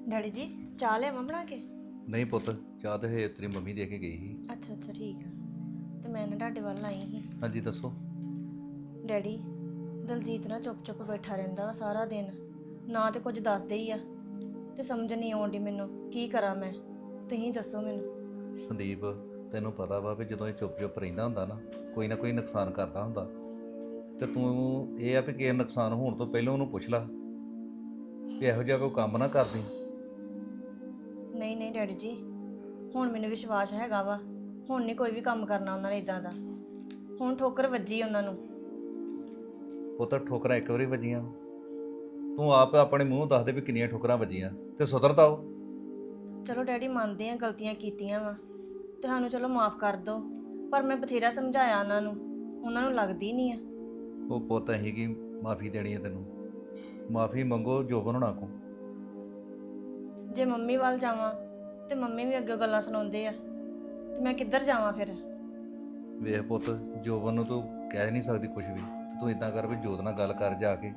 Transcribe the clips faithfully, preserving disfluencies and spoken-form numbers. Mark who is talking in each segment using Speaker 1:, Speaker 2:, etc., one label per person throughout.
Speaker 1: Daddy ਜੀ ਚਾਹ ਲਿਆਵਾਂ ਬਣਾ ਕੇ?
Speaker 2: ਨਹੀਂ ਪੁੱਤ, ਚਾਹ ਤੇ ਹੇ ਤੇਰੀ ਮੰਮੀ ਦੇ ਕੇ ਗਈ ਸੀ।
Speaker 1: ਅੱਛਾ ਅੱਛਾ ਠੀਕ ਆ। ਤੇ ਮੈਂ ਨਾ ਤੁਹਾਡੇ ਵੱਲ ਆਈ ਸੀ।
Speaker 2: ਹਾਂਜੀ ਦੱਸੋ।
Speaker 1: ਡੈਡੀ, ਦਲਜੀਤ ਨਾ ਚੁੱਪ ਚੁੱਪ ਬੈਠਾ ਰਹਿੰਦਾ ਵਾ ਸਾਰਾ ਦਿਨ, ਨਾ ਤੇ ਕੁਝ ਦੱਸਦੇ ਹੀ ਆ, ਤੇ ਸਮਝ ਨਹੀਂ ਆਉਂਦੀ ਮੈਨੂੰ ਕੀ ਕਰਾਂ ਮੈਂ। ਤੁਸੀਂ ਦੱਸੋ ਮੈਨੂੰ।
Speaker 2: ਸੰਦੀਪ, ਤੈਨੂੰ ਪਤਾ ਵਾ ਵੀ ਜਦੋਂ ਇਹ ਚੁੱਪ ਚੁੱਪ ਰਹਿੰਦਾ ਹੁੰਦਾ ਨਾ, ਕੋਈ ਨਾ ਕੋਈ ਨੁਕਸਾਨ ਕਰਦਾ ਹੁੰਦਾ। ਤੇ ਤੂੰ ਇਹ ਆ ਵੀ ਕਿਸੇ ਨੁਕਸਾਨ ਹੋਣ ਤੋਂ ਪਹਿਲਾਂ ਉਹਨੂੰ ਪੁੱਛ ਲਾ ਵੀ ਇਹੋ ਜਿਹਾ ਕੋਈ ਕੰਮ ਨਾ ਕਰਦੀ।
Speaker 1: ਨਹੀਂ ਨਹੀਂ ਡੈਡੀ ਜੀ, ਹੁਣ ਮੈਨੂੰ ਵਿਸ਼ਵਾਸ ਹੈਗਾ ਵਾ। ਹੁਣ ਨਹੀਂ ਕੋਈ ਵੀ ਕੰਮ ਕਰਨਾ ਉਹਨਾਂ ਨੇ ਇਦਾਂ ਦਾ। ਹੁਣ ਠੋਕਰ ਵੱਜੀ ਉਹਨਾਂ ਨੂੰ।
Speaker 2: ਪੁੱਤ, ਠੋਕਰਾਂ ਇੱਕ ਵਾਰੀ ਵੱਜੀਆਂ, ਤੂੰ ਆਪ ਆਪਣੇ ਮੂੰਹ ਦੱਸ ਦੇ ਵੀ ਕਿੰਨੀਆਂ ਠੋਕਰਾਂ ਵੱਜੀਆਂ ਤੇ ਸੁਧਰਦਾ ਉਹ।
Speaker 1: ਚਲੋ ਡੈਡੀ, ਮੰਨਦੇ ਆ ਗਲਤੀਆਂ ਕੀਤੀਆਂ ਵਾ ਤੇ ਸਾਨੂੰ ਚਲੋ ਮਾਫ ਕਰ ਦਿਓ, ਪਰ ਮੈਂ ਬਥੇਰਾ ਸਮਝਾਇਆ ਉਹਨਾਂ ਨੂੰ, ਉਹਨਾਂ ਨੂੰ ਲੱਗਦੀ ਨਹੀਂ ਆ।
Speaker 2: ਉਹ ਪੁੱਤ, ਅਸੀਂ ਕੀ ਮਾਫੀ ਦੇਣੀ ਹੈ ਤੈਨੂੰ? ਮਾਫੀ ਮੰਗੋ ਜੋਬਨ ਹੋਣਾ ਕੋ।
Speaker 1: ਜੇ ਮੰਮੀ ਵੱਲ ਜਾਵਾਂ ਤੇ ਮੰਮੀ ਵੀ ਅੱਗੇ ਗੱਲਾਂ ਸੁਣਾਉਂਦੇ ਆ, ਤੇ ਮੈਂ ਕਿੱਧਰ ਜਾਵਾਂ ਫਿਰ?
Speaker 2: ਵੇਖ ਪੁੱਤ, ਜੋਬਨ ਨੂੰ ਤੂੰ ਕਹਿ ਨਹੀਂ ਸਕਦੀ ਕੁਝ ਵੀ, ਤੇ ਤੂੰ ਇਦਾਂ ਕਰ ਵੀ ਜੋਤ ਨਾਲ ਗੱਲ ਕਰ ਜਾ ਕੇ।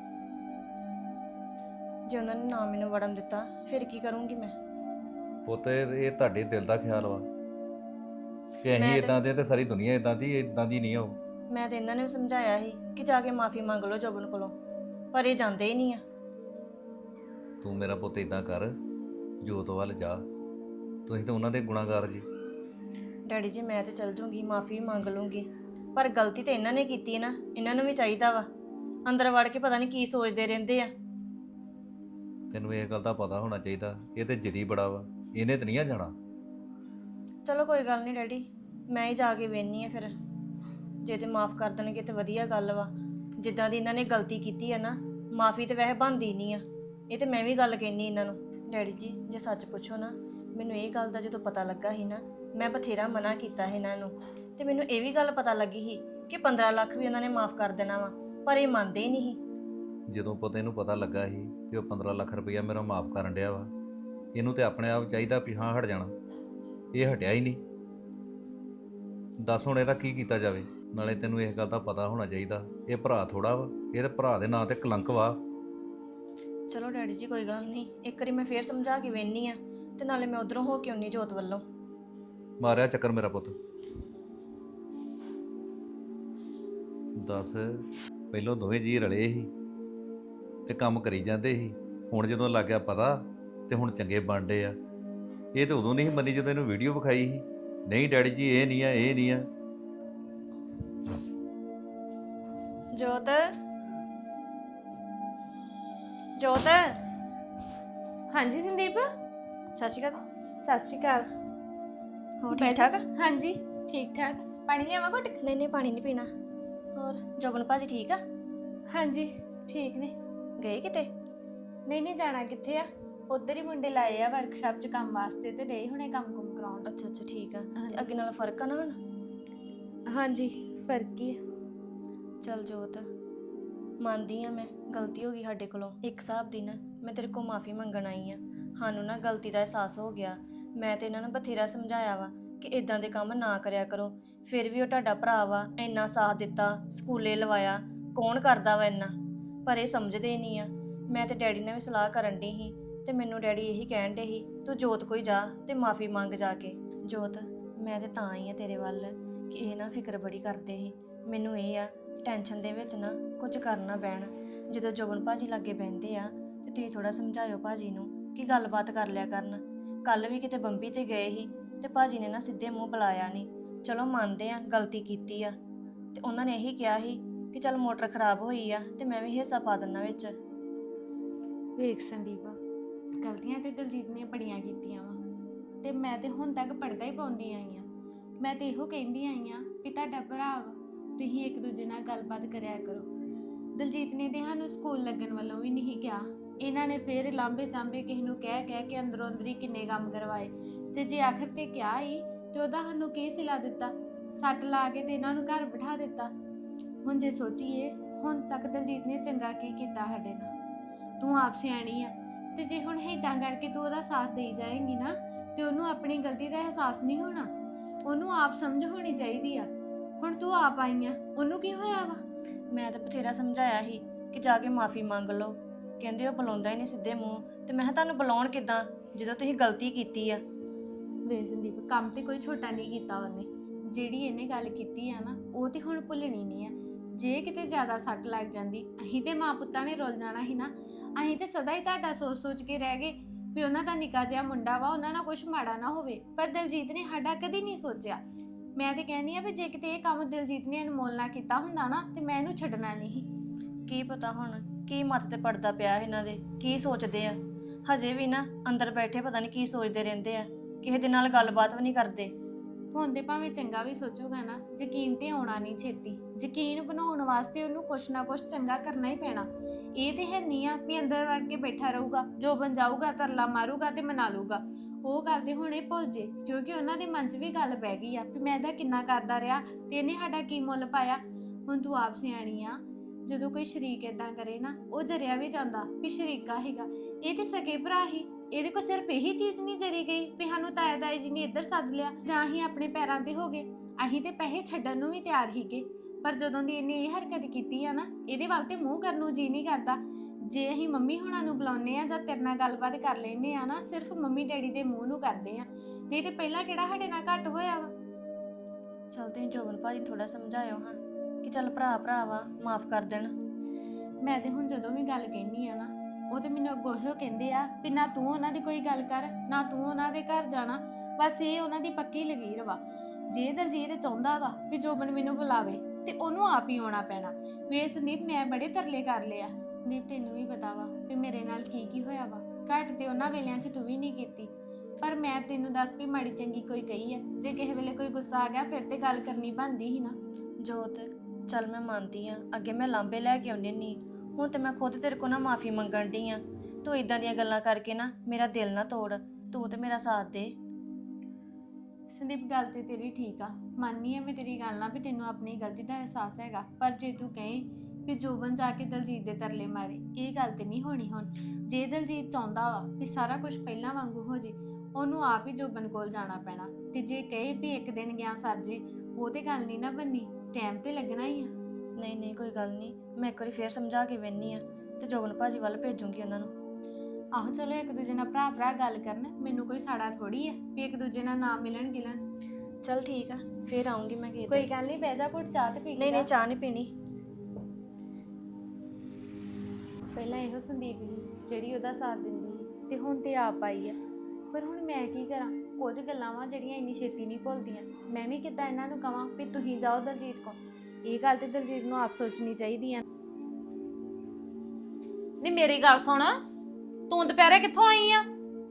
Speaker 1: ਜੇ ਉਹਨਾਂ ਨੇ ਨਾ ਮੈਨੂੰ ਵੜਨ ਦਿੱਤਾ ਫਿਰ ਕੀ ਕਰੂੰਗੀ ਮੈਂ?
Speaker 2: ਪੁੱਤ, ਇਹ ਇਹ ਤੁਹਾਡੇ ਦਿਲ ਦਾ ਖਿਆਲ ਵਾ ਕਿ ਅਸੀਂ
Speaker 1: ਮੈਂ ਤੇ-
Speaker 2: ਇਦਾਂ ਦੇ ਤੇ ਸਾਰੀ ਦੁਨੀਆ ਇਦਾਂ ਦੀ ਇਦਾਂ ਦੀ ਨਹੀਂ ਹੋ।
Speaker 1: ਮੈਂ ਤੇ ਇਹਨਾਂ ਨੇ ਵੀ ਸਮਝਾਇਆ ਸੀ ਕਿ ਜਾ ਕੇ ਮਾਫੀ ਮੰਗ ਲਓ ਜੋਬਨ ਕੋਲੋਂ, ਪਰ ਇਹ ਜਾਂਦੇ ਹੀ ਨਹੀਂ ਆ।
Speaker 2: ਤੂੰ ਮੇਰਾ ਪੁੱਤ ਇਦਾਂ ਕਰ, ਜੋਤ ਵੱਲ ਜਾ, ਤੁਸੀਂ ਤਾਂ ਉਹਨਾਂ ਦੇ ਗੁਨਾਹਗਾਰ ਜੀ।
Speaker 1: ਡੈਡੀ ਜੀ, ਮੈਂ ਤੇ ਚਲ ਜੂੰਗੀ, ਮਾਫੀ ਵੀ ਮੰਗ ਲੂੰਗੀ, ਪਰ ਗਲਤੀ ਤੇ ਇਹਨਾਂ ਨੇ ਕੀਤੀ ਨਾ। ਇਹਨਾਂ ਨੂੰ ਵੀ ਚਾਹੀਦਾ ਵਾ, ਅੰਦਰ ਵੜ ਕੇ ਪਤਾ ਨਹੀਂ ਕੀ ਸੋਚਦੇ ਰਹਿੰਦੇ ਆ।
Speaker 2: ਤੈਨੂੰ ਇਹ ਗੱਲ ਦਾ ਪਤਾ ਹੋਣਾ ਚਾਹੀਦਾ, ਇਹ ਤੇ ਜਿੱਦੀ ਬੜਾ ਵਾ, ਇਹਨੇ ਤਾਂ ਨਹੀਂ ਆ ਜਾਣਾ।
Speaker 1: ਚਲੋ ਕੋਈ ਗੱਲ ਨਹੀਂ ਡੈਡੀ, ਮੈਂ ਹੀ ਜਾ ਕੇ ਵੇਖਣੀ ਆ ਫਿਰ। ਜੇ ਤੇ ਮਾਫ ਕਰ ਦੇਣਗੇ ਤੇ ਵਧੀਆ ਗੱਲ ਵਾ। ਜਿੱਦਾਂ ਦੀ ਇਹਨਾਂ ਨੇ ਗਲਤੀ ਕੀਤੀ ਆ ਨਾ, ਮਾਫੀ ਤੇ ਵੈਸੇ ਬਣਦੀ ਨਹੀਂ ਆ। ਇਹ ਤੇ ਮੈਂ ਵੀ ਗੱਲ ਕਹਿਨੀ ਇਹਨਾਂ ਨੂੰ। ਡੈਡੀ ਜੀ, ਜੇ ਸੱਚ ਪੁੱਛੋ ਨਾ, ਮੈਨੂੰ ਇਹ ਗੱਲ ਦਾ ਜਦੋਂ ਪਤਾ ਲੱਗਾ ਸੀ ਨਾ, ਮੈਂ ਬਥੇਰਾ ਮਨਾ ਕੀਤਾ ਸੀ ਇਹਨਾਂ ਨੂੰ। ਤੇ ਮੈਨੂੰ ਇਹ ਵੀ ਗੱਲ ਪਤਾ ਲੱਗੀ ਸੀ ਕਿ ਪੰਦਰਾਂ ਲੱਖ ਵੀ ਉਹਨਾਂ ਨੇ ਮਾਫ ਕਰ ਦੇਣਾ ਵਾ, ਪਰ ਇਹ ਮੰਨਦੇ ਹੀ ਨਹੀਂ ਸੀ।
Speaker 2: ਜਦੋਂ ਪੁੱਤ ਇਹਨੂੰ ਪਤਾ ਲੱਗਾ ਸੀ ਕਿ ਉਹ ਪੰਦਰਾਂ ਲੱਖ ਰੁਪਈਆ ਮੇਰਾ ਮਾਫ ਕਰਨ ਡਿਆ ਵਾ, ਇਹਨੂੰ ਤੇ ਆਪਣੇ ਆਪ ਚਾਹੀਦਾ ਵੀ ਹਾਂ ਹਟ ਜਾਣਾ। ਇਹ ਹਟਿਆ ਹੀ ਨਹੀਂ। ਦੱਸ ਹੁਣ ਇਹਦਾ ਕੀ ਕੀਤਾ ਜਾਵੇ? ਨਾਲੇ ਤੈਨੂੰ ਇਸ ਗੱਲ ਦਾ ਪਤਾ ਹੋਣਾ ਚਾਹੀਦਾ, ਇਹ ਭਰਾ ਥੋੜਾ ਵਾ, ਇਹਦੇ ਭਰਾ ਦੇ ਨਾਂ ਤੇ ਕਲੰਕ ਵਾ।
Speaker 1: ਚਲੋ ਡੈਡੀ ਜੀ, ਕੋਈ ਗੱਲ ਨਹੀਂ, ਇੱਕ ਵਾਰੀ ਮੈਂ ਫੇਰ ਸਮਝਾ ਕੇ ਵੇਖਣੀ ਆ, ਤੇ ਨਾਲੇ ਮੈਂ ਉਧਰੋਂ ਹੋ ਕੇ ਆਉਣੀ ਜੋਤ ਵੱਲੋਂ।
Speaker 2: ਮਾਰਿਆ ਚੱਕਰ ਮੇਰਾ ਪੁੱਤ। ਦੱਸ, ਪਹਿਲੋਂ ਦੋਵੇਂ ਜੀ ਰਲੇ ਸੀ ਤੇ ਕੰਮ ਕਰੀ ਜਾਂਦੇ ਸੀ, ਹੁਣ ਜਦੋਂ ਲੱਗ ਗਿਆ ਪਤਾ ਤੇ ਹੁਣ ਚੰਗੇ ਬਣਦੇ ਆ। ਇਹ ਤੇ ਉਦੋਂ ਨਹੀਂ ਸੀ ਮੰਨੀ ਜਦੋਂ ਇਹਨੂੰ ਵੀਡੀਓ ਵਿਖਾਈ ਸੀ। ਨਹੀਂ ਡੈਡੀ ਜੀ, ਇਹ ਨਹੀਂ ਆ, ਇਹ ਨਹੀਂ ਆ।
Speaker 1: ਜੋਤ, ਜੋਤ।
Speaker 3: ਹਾਂਜੀ ਸੰਦੀਪ,
Speaker 1: ਸਤਿ ਸ਼੍ਰੀ ਅਕਾਲ।
Speaker 3: ਸਤਿ ਸ਼੍ਰੀ ਅਕਾਲ।
Speaker 1: ਹੋਰ ਠੀਕ ਠਾਕ?
Speaker 3: ਹਾਂਜੀ ਠੀਕ ਠਾਕ। ਪਾਣੀ ਲਿਆਵਾਂ ਘੁੱਟ?
Speaker 1: ਨਹੀਂ ਨਹੀਂ, ਪਾਣੀ ਨਹੀਂ ਪੀਣਾ। ਹੋਰ ਜੋਬਨ ਭਾਜੀ ਠੀਕ ਆ?
Speaker 3: ਹਾਂਜੀ ਠੀਕ ਨੇ।
Speaker 1: ਗਏ ਕਿਤੇ?
Speaker 3: ਨਹੀਂ ਨਹੀਂ, ਜਾਣਾ ਕਿੱਥੇ ਆ, ਉਧਰ ਹੀ ਮੁੰਡੇ ਲਾਏ ਆ ਵਰਕਸ਼ਾਪ 'ਚ ਕੰਮ ਵਾਸਤੇ, ਤੇ ਡੇ ਹੁਣੇ ਕੰਮ ਕੁਮ ਕਰਾਉਣ।
Speaker 1: ਅੱਛਾ ਅੱਛਾ ਠੀਕ ਆ। ਤੇ ਅੱਗੇ ਨਾਲ ਫਰਕ ਆ ਨਾ ਹੁਣ?
Speaker 3: ਹਾਂਜੀ ਫਰਕ ਹੀ ਆ।
Speaker 1: ਚੱਲ ਜੋਤ, ਮੰਨਦੀ ਆ ਮੈਂ, ਗਲਤੀ ਹੋ ਗਈ ਸਾਡੇ ਕੋਲੋਂ। ਇੱਕ ਹਿਸਾਬ ਦੀ ਨਾ ਮੈਂ ਤੇਰੇ ਕੋਲ ਮਾਫੀ ਮੰਗਣ ਆਈ ਆ। ਸਾਨੂੰ ਨਾ ਗਲਤੀ ਦਾ ਅਹਿਸਾਸ ਹੋ ਗਿਆ। ਮੈਂ ਤੇ ਇਹਨਾਂ ਨੂੰ ਬਥੇਰਾ ਸਮਝਾਇਆ ਵਾ ਕਿ ਇਦਾਂ ਦੇ ਕੰਮ ਨਾ ਕਰਿਆ ਕਰੋ, ਫਿਰ ਵੀ ਉਹ ਤੁਹਾਡਾ ਭਰਾ ਵਾ, ਇੰਨਾ ਸਾਥ ਦਿੱਤਾ, ਸਕੂਲੇ ਲਵਾਇਆ, ਕੌਣ ਕਰਦਾ ਵਾ ਇੰਨਾ, ਪਰ ਇਹ ਸਮਝਦੇ ਨਹੀਂ ਆ। ਮੈਂ ਤੇ ਡੈਡੀ ਨਾਲ ਵੀ ਸਲਾਹ ਕਰਨ ਡਈ ਸੀ, ਤੇ ਮੈਨੂੰ ਡੈਡੀ ਇਹੀ ਕਹਿਣ ਡੇ ਸੀ ਤੂੰ ਜੋਤ ਕੋਈ ਜਾ ਤੇ ਮਾਫੀ ਮੰਗ ਜਾ ਕੇ। ਜੋਤ, ਮੈਂ ਤੇ ਤਾਂ ਆਈ ਆ ਤੇਰੇ ਵੱਲ ਕਿ ਇਹ ਨਾ ਫਿਕਰ ਬੜੀ ਕਰਦੇ ਸੀ। ਮੈਨੂੰ ਇਹ ਆ ਟੈਨਸ਼ਨ ਦੇ ਵਿੱਚ ਨਾ ਕੁਝ ਕਰਨਾ ਪੈਣ। ਜਦੋਂ ਜੋਬਨ ਭਾਜੀ ਲਾਗੇ ਬਹਿੰਦੇ ਆ ਤੇ ਤੁਸੀਂ ਥੋੜਾ ਸਮਝਾਇਓ ਭਾਜੀ ਨੂੰ ਕਿ ਗੱਲਬਾਤ ਕਰ ਲਿਆ ਕਰਨ। ਕੱਲ ਵੀ ਕਿਤੇ ਬੰਬੀ ਤੇ ਗਏ ਸੀ ਤੇ ਭਾਜੀ ਨੇ ਨਾ ਸਿੱਧੇ ਮੂੰਹ ਬੁਲਾਇਆ ਨਹੀਂ। ਚਲੋ ਮੰਨਦੇ ਆ ਗਲਤੀ ਕੀਤੀ ਆ, ਤੇ ਉਹਨਾਂ ਨੇ ਇਹੀ ਕਿਹਾ ਸੀ ਕਿ ਚੱਲ ਮੋਟਰ ਖਰਾਬ ਹੋਈ ਆ ਤੇ ਮੈਂ ਵੀ ਹਿੱਸਾ ਪਾ ਦਿੰਨਾ ਵਿੱਚ।
Speaker 3: ਵੇਖ ਸੰਦੀਪ, ਗਲਤੀਆਂ ਤੇ ਦਲਜੀਤ ਨੇ ਬੜੀਆਂ ਕੀਤੀਆਂ ਵਾ, ਤੇ ਮੈਂ ਤੇ ਹੁਣ ਤੱਕ ਪੜਦਾ ਹੀ ਪਾਉਂਦੀ ਆਈ ਆ। ਮੈਂ ਤੇ ਇਹੋ ਕਹਿੰਦੀ ਆਈ ਆ ਵੀ ਤੁਹਾਡਾ ਭਰਾ ਵਾ, ਤੁਸੀਂ ਇੱਕ ਦੂਜੇ ਨਾਲ ਗੱਲਬਾਤ ਕਰਿਆ ਕਰੋ। ਦਲਜੀਤ ਨੇ ਤੇ ਸਾਨੂੰ ਸਕੂਲ ਲੱਗਣ ਵੱਲੋਂ ਵੀ ਨਹੀਂ ਕਿਹਾ। ਇਹਨਾਂ ਨੇ ਫਿਰ ਲਾਂਬੇ ਚਾਂਬੇ ਕਿਸੇ ਨੂੰ ਕਹਿ ਕਹਿ ਕੇ ਅੰਦਰੋਂ ਅੰਦਰੀ ਕਿੰਨੇ ਕੰਮ ਕਰਵਾਏ, ਤੇ ਜੇ ਆਖਰ ਤੇ ਕਿਹਾ ਹੀ ਤੇ ਉਹਦਾ ਸਾਨੂੰ ਕੀ ਸਿਲਾ ਦਿੱਤਾ? ਸੱਟ ਲਾ ਕੇ ਤੇ ਇਹਨਾਂ ਨੂੰ ਘਰ ਬਿਠਾ ਦਿੱਤਾ। ਹੁਣ ਜੇ ਸੋਚੀਏ, ਹੁਣ ਤੱਕ ਦਲਜੀਤ ਨੇ ਚੰਗਾ ਕੀ ਕੀਤਾ ਸਾਡੇ ਨਾਲ? ਤੂੰ ਆਪ ਸਿਆਣੀ ਆ, ਤੇ ਜੇ ਹੁਣ ਇੱਦਾਂ ਕਰਕੇ ਤੂੰ ਉਹਦਾ ਸਾਥ ਦੇਈ ਜਾਏਂਗੀ ਨਾ, ਤੇ ਉਹਨੂੰ ਆਪਣੀ ਗਲਤੀ ਦਾ ਅਹਿਸਾਸ ਨਹੀਂ ਹੋਣਾ। ਉਹਨੂੰ ਆਪ ਸਮਝ ਹੋਣੀ ਚਾਹੀਦੀ ਆ। ਹੁਣ ਤੂੰ ਆਪ ਆਈ ਆ, ਉਹਨੂੰ ਕੀ ਹੋਇਆ ਵਾ?
Speaker 1: ਮੈਂ ਤਾਂ ਬਥੇਰਾ ਸਮਝਾਇਆ ਸੀ ਕਿ ਜਾ ਕੇ ਮਾਫੀ ਮੰਗ ਲਓ, ਕਹਿੰਦੇ ਉਹ ਬੁਲਾਉਂਦਾ ਹੀ ਨਹੀਂ ਸਿੱਧੇ ਮੂੰਹ। ਤੇ ਮੈਂ ਕਿਹਾ ਤੁਹਾਨੂੰ ਬੁਲਾਉਣ ਕਿੱਦਾਂ ਜਦੋਂ ਤੁਸੀਂ ਗਲਤੀ ਕੀਤੀ ਆ।
Speaker 3: ਵੇ ਸੰਦੀਪ, ਕੰਮ ਤੇ ਕੋਈ ਛੋਟਾ ਨਹੀਂ ਕੀਤਾ ਉਹਨੇ। ਜਿਹੜੀ ਇਹਨੇ ਗੱਲ ਕੀਤੀ ਆ ਨਾ, ਉਹ ਤੇ ਹੁਣ ਭੁੱਲਣੀ ਨਹੀਂ ਆ। ਜੇ ਕਿਤੇ ਜ਼ਿਆਦਾ ਸੱਟ ਲੱਗ ਜਾਂਦੀ, ਅਸੀਂ ਤੇ ਮਾਂ ਪੁੱਤਾਂ ਨੇ ਰੁੱਲ ਜਾਣਾ ਸੀ ਨਾ। ਅਸੀਂ ਤੇ ਸਦਾ ਹੀ ਤੁਹਾਡਾ ਸੋਚ ਸੋਚ ਕੇ ਰਹਿ ਗਏ ਵੀ ਉਹਨਾਂ ਦਾ ਨਿੱਕਾ ਜਿਹਾ ਮੁੰਡਾ ਵਾ, ਉਹਨਾਂ ਨਾਲ ਕੁਝ ਮਾੜਾ ਨਾ ਹੋਵੇ। ਪਰ ਦਲਜੀਤ ਨੇ ਸਾਡਾ ਕਦੀ ਨਹੀਂ ਸੋਚਿਆ। ਮੈਂ ਤੇ ਕਹਿੰਦੀ ਆ ਵੀ ਜੇ ਕਿਤੇ ਇਹ ਕੰਮ ਦਲਜੀਤ ਨੇ ਅਨਮੋਲ ਨਾਲ ਕੀਤਾ ਹੁੰਦਾ ਨਾ, ਤੇ ਮੈਂ ਇਹਨੂੰ ਛੱਡਣਾ ਨਹੀਂ।
Speaker 1: ਕੀ ਪਤਾ ਹੁਣ ਕੀ ਮੱਤ ਤੇ ਪੜਦਾ ਪਿਆ ਇਹਨਾਂ ਦੇ, ਕੀ ਸੋਚਦੇ ਆ। ਹਜੇ ਵੀ ਨਾ ਅੰਦਰ ਬੈਠੇ ਪਤਾ ਨਹੀਂ ਕੀ ਸੋਚਦੇ ਰਹਿੰਦੇ ਆ, ਕਿਸੇ ਦੇ ਨਾਲ ਗੱਲਬਾਤ ਵੀ ਨਹੀਂ ਕਰਦੇ।
Speaker 3: ਹੁਣ ਦੇ ਭਾਵੇਂ ਚੰਗਾ ਵੀ ਸੋਚੂਗਾ ਨਾ, ਯਕੀਨ ਤੇ ਆਉਣਾ ਨਹੀਂ ਛੇਤੀ। ਯਕੀਨ ਬਣਾਉਣ ਵਾਸਤੇ ਉਹਨੂੰ ਕੁਛ ਨਾ ਕੁਛ ਚੰਗਾ ਕਰਨਾ ਹੀ ਪੈਣਾ। ਇਹ ਤੇ ਹੈ ਨਹੀਂ ਆ ਵੀ ਅੰਦਰ ਵੜ ਕੇ ਬੈਠਾ ਰਹੂਗਾ, ਜੋ ਬਣ ਜਾਊਗਾ ਤਰਲਾ ਮਾਰੂਗਾ ਤੇ ਮਨਾ ਲੂਗਾ। ਉਹ ਗੱਲ ਤੇ ਹੁਣ ਇਹ ਭੁੱਲ ਜੇ, ਕਿਉਂਕਿ ਉਹਨਾਂ ਦੇ ਮਨ 'ਚ ਵੀ ਗੱਲ ਪੈ ਗਈ ਆ ਵੀ ਮੈਂ ਇਹਦਾ ਕਿੰਨਾ ਕਰਦਾ ਰਿਹਾ ਤੇ ਇਹਨੇ ਸਾਡਾ ਕੀ ਮੁੱਲ ਪਾਇਆ। ਹੁਣ ਤੂੰ ਆਪ ਸਿਆਣੀ ਆ, ਜਦੋਂ ਕੋਈ ਸ਼ਰੀਕ ਏਦਾਂ ਕਰੇ ਨਾ, ਉਹ ਜਰਿਆ ਵੀ ਜਾਂਦਾ ਵੀ ਸ਼ਰੀਕਾ ਹੈਗਾ। ਇਹ ਤੇ ਸਕੇ ਭਰਾ ਹੀ, ਇਹਦੇ ਕੋਲ ਸਿਰਫ ਇਹੀ ਚੀਜ਼ ਨਹੀਂ ਜਰੀ ਗਈ ਵੀ ਸਾਨੂੰ ਤਾਇਆ ਤਾਈ ਜੀ ਨੇ ਇੱਧਰ ਸੱਦ ਲਿਆ ਜਾਂ ਅਸੀਂ ਆਪਣੇ ਪੈਰਾਂ ਤੇ ਹੋ ਗਏ। ਅਸੀਂ ਤੇ ਪੈਸੇ ਛੱਡਣ ਨੂੰ ਵੀ ਤਿਆਰ ਹੀਗੇ, ਪਰ ਜਦੋਂ ਦੀ ਇਹਨੇ ਇਹ ਹਰਕਤ ਕੀਤੀ ਆ ਨਾ, ਇਹਦੇ ਵੱਲ ਤੇ ਮੂੰਹ ਕਰਨ ਨੂੰ ਜੀ ਨਹੀਂ ਕਰਦਾ। ਜੇ ਅਸੀਂ ਮੰਮੀ ਹੁਣਾਂ ਨੂੰ ਬੁਲਾਉਂਦੇ ਆ ਜਾਂ ਤੇਰੇ ਨਾਲ ਗੱਲਬਾਤ ਕਰ ਲੈਂਦੇ ਆ ਨਾ, ਸਿਰਫ ਮੰਮੀ ਡੈਡੀ ਦੇ ਮੂੰਹ ਨੂੰ ਕਰਦੇ ਆ, ਨਹੀਂ ਤੇ ਪਹਿਲਾਂ ਕਿਹੜਾ ਸਾਡੇ ਨਾਲ ਘੱਟ ਹੋਇਆ ਵਾ।
Speaker 1: ਚਲ ਤੁਸੀਂ ਜੋਬਨ ਭਾਜੀ ਥੋੜਾ ਸਮਝਾਇਓ ਹਾਂ ਕਿ ਚੱਲ ਭਰਾ ਭਰਾ ਵਾ, ਮਾਫ ਕਰ ਦੇਣ।
Speaker 3: ਮੈਂ ਤੇ ਹੁਣ ਜਦੋਂ ਵੀ ਗੱਲ ਕਹਿੰਦੀ ਆ ਨਾ, ਉਹ ਤੇ ਮੈਨੂੰ ਅੱਗੋਂ ਇਹੋ ਕਹਿੰਦੇ ਆ ਵੀ ਨਾ ਤੂੰ ਉਹਨਾਂ ਦੀ ਕੋਈ ਗੱਲ ਕਰ, ਨਾ ਤੂੰ ਉਹਨਾਂ ਦੇ ਘਰ ਜਾਣਾ। ਬਸ ਇਹ ਉਹਨਾਂ ਦੀ ਪੱਕੀ ਲਕੀਰ ਵਾ। ਜੇ ਦਲਜੀਤ ਚਾਹੁੰਦਾ ਵਾ ਵੀ ਜੋਬਨ ਮੈਨੂੰ ਬੁਲਾਵੇ ਤੇ ਉਹਨੂੰ ਆਪ ਹੀ ਆਉਣਾ ਪੈਣਾ। ਵੇ ਸੰਦੀਪ, ਮੈਂ ਬੜੇ ਤਰਲੇ ਕਰ ਲਿਆ। ਸੰਦੀਪ, ਤੈਨੂੰ ਵੀ ਪਤਾ ਵਾ ਵੀ ਮੇਰੇ ਨਾਲ ਕੀ ਕੀ ਹੋਇਆ ਵਾ। ਘੱਟ ਤੇ ਉਹਨਾਂ ਵੇਲਿਆਂ 'ਚ ਤੂੰ ਵੀ ਨਹੀਂ ਕੀਤੀ, ਪਰ ਮੈਂ ਤੈਨੂੰ ਦੱਸ ਵੀ ਮਾੜੀ ਚੰਗੀ ਕੋਈ ਕਹੀ ਆ। ਜੇ ਕਿਸੇ ਵੇਲੇ ਕੋਈ ਗੁੱਸਾ ਆ ਗਿਆ ਫਿਰ ਤੇ ਗੱਲ ਕਰਨੀ ਬਣਦੀ ਸੀ ਨਾ।
Speaker 1: ਜੋਤ, ਚੱਲ ਮੈਂ ਮੰਨਦੀ ਆ, ਅੱਗੇ ਮੈਂ ਲਾਂਬੇ ਲੈ ਕੇ ਆਉਂਦੀ ਨਹੀਂ, ਹੁਣ ਤੇ ਮੈਂ ਖੁਦ ਤੇਰੇ ਕੋਲ ਨਾ ਮਾਫੀ ਮੰਗਣ ਡਈ ਆ। ਤੂੰ ਇਦਾਂ ਦੀਆਂ ਗੱਲਾਂ ਕਰਕੇ ਨਾ ਮੇਰਾ ਦਿਲ ਨਾ ਤੋੜ, ਤੂੰ ਤੇ ਮੇਰਾ ਸਾਥ ਦੇ।
Speaker 3: ਸੰਦੀਪ, ਗੱਲ ਤੇ ਤੇਰੀ ਠੀਕ ਆ, ਮੰਨਨੀ ਆ ਮੈਂ ਤੇਰੀ ਗੱਲ ਨਾਲ ਵੀ ਤੈਨੂੰ ਆਪਣੀ ਗਲਤੀ ਦਾ ਅਹਿਸਾਸ ਹੈਗਾ। ਪਰ ਜੇ ਤੂੰ ਕਹੇ ਵੀ ਜੋਬਨ ਜਾ ਕੇ ਦਲਜੀਤ ਦੇ ਤਰਲੇ ਮਾਰੇ, ਇਹ ਗੱਲ ਤੇ ਨਹੀਂ ਹੋਣੀ। ਹੁਣ ਜੇ ਦਲਜੀਤ ਚਾਹੁੰਦਾ ਵਾ ਵੀ ਸਾਰਾ ਕੁਝ ਪਹਿਲਾਂ ਵਾਂਗੂ ਹੋ ਜੇ, ਉਹਨੂੰ ਆਪ ਹੀ ਜੋਬਨ ਕੋਲ ਜਾਣਾ ਪੈਣਾ। ਤੇ ਜੇ ਕਹੇ ਵੀ ਇੱਕ ਦਿਨ ਗਿਆ ਸਰ ਜੇ, ਉਹ ਤੇ ਗੱਲ ਨਹੀਂ ਨਾ ਬਣਨੀ, ਟਾਈਮ ਤੇ ਲੱਗਣਾ ਹੀ ਆ।
Speaker 1: ਨਹੀਂ ਨਹੀਂ ਕੋਈ ਗੱਲ ਨਹੀਂ, ਮੈਂ ਇੱਕ ਵਾਰੀ ਫੇਰ ਸਮਝਾ ਕੇ ਵੇਖਨੀ ਆ ਤੇ ਜੋਬਨ ਭਾਜੀ ਵੱਲ ਭੇਜੂੰਗੀ ਉਹਨਾਂ ਨੂੰ।
Speaker 3: ਆਹੋ, ਚਲੋ ਇੱਕ ਦੂਜੇ ਨਾਲ ਭਰਾ ਭਰਾ ਗੱਲ ਕਰਨ, ਮੈਨੂੰ ਕੋਈ ਸਾੜਾ ਥੋੜੀ ਆ ਵੀ ਇੱਕ ਦੂਜੇ ਨਾਲ ਨਾ ਮਿਲਣ ਗਿਲਣ।
Speaker 1: ਚੱਲ ਠੀਕ ਆ, ਫੇਰ ਆਉਂਗੀ ਮੈਂ ਕਿਸੇ
Speaker 3: ਕੋਈ
Speaker 1: ਦਿਨ।
Speaker 3: ਗੱਲ ਨਹੀਂ, ਬਹਿ ਜਾ ਘੁੱਟ ਚਾਹ ਤੇ ਪੀ ਕੇ
Speaker 1: ਨਹੀਂ ਨਹੀਂ
Speaker 3: ਜਾ।
Speaker 1: ਚਾਹ ਨਹੀਂ ਪੀਣੀ।
Speaker 3: ਪਹਿਲਾਂ ਇਹੋ ਸੰਦੀਪ ਸੀ ਜਿਹੜੀ ਉਹਦਾ ਸਾਥ ਦਿੰਦੀ ਸੀ, ਤੇ ਹੁਣ ਤੇ ਆਪ ਆਈ ਆ। ਪਰ ਹੁਣ ਮੈਂ ਕੀ ਕਰਾਂ, ਕੁਝ ਗੱਲਾਂ ਵਾ ਜਿਹੜੀਆਂ ਇੰਨੀ ਛੇਤੀ ਨਹੀਂ ਭੁੱਲਦੀਆਂ। ਮੈਂ ਵੀ ਕਿੱਦਾਂ ਇਹਨਾਂ ਨੂੰ ਕਵਾਂ ਵੀ ਤੁਸੀਂ ਜਾਓ ਦਲਜੀਤ ਕੋਲ। ਇਹ ਗੱਲ ਤੇ ਦਲਜੀਤ ਨੂੰ ਆਪ ਸੋਚਣੀ ਚਾਹੀਦੀ ਆ।
Speaker 4: ਨੀ ਮੇਰੀ ਗੱਲ ਸੁਣ, ਤੂੰ ਦੁਪਹਿਰੇ ਕਿੱਥੋਂ ਆਈ ਆ?